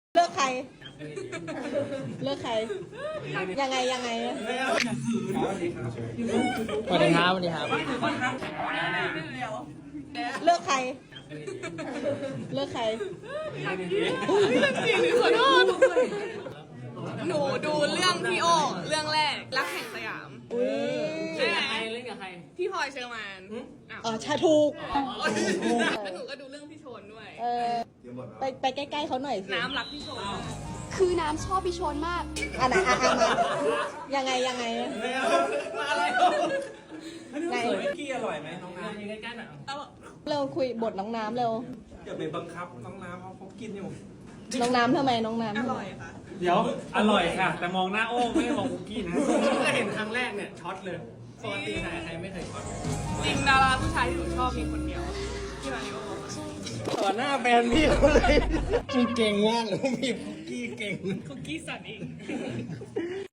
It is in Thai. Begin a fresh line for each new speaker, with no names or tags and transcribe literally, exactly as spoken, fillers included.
เลิกใคร เลิกใคร ยังไงยังไง
สวัสดีครับสวัสดีครับ
เลิกใคร เลิกใคร
ขอโทษหนูดูเรื่องพี่โอเรื่องแรกรักแห่งสยาม
อุ้ย
ใช่ไหม
เล่นกับใคร
พี่พลอยเชอร์มานอ้าว
อ๋อชาถูก
แล้วหนูก็ดูเรื่องพี่โชนด้วย
เออไปไปใกล้ๆเขาหน่อยสิ
น้ำรักพี่โชน
คือน้ำชอบพี่ชนมาก
อ่ะไหนอ่ะอ่ะมา ยังไงยังไง
มาอะไร
ไหน
กี้อร่อยไหมน้องน้
อยู่ใกล้ๆหน่อย
เร็วคุยบทน้องน้ำเร็ว
ำอย่าไปบังคับน้องน้ำเขาเขากินอยู่
น้องน้ำทำไมน้องน้ำ
อร่อยค่ะ
เดี๋ยวอร่อยค่ะ แต่มองหน้าโอ้ไม่ได้มองคุกกี้นะ
ก็เห็นครั้งแรกเนี่ยช็อตเลยปกติใครใครไม่เคยช็อต
จริงดาราผู้ชายที่หนูชอบมีคนเดียวที่มาริโอ
ต่อหน้าแฟนพี่เขาเลยมึงเก่งมากเลยมีคุกกี้เก่ง
คุกกี้สันเอง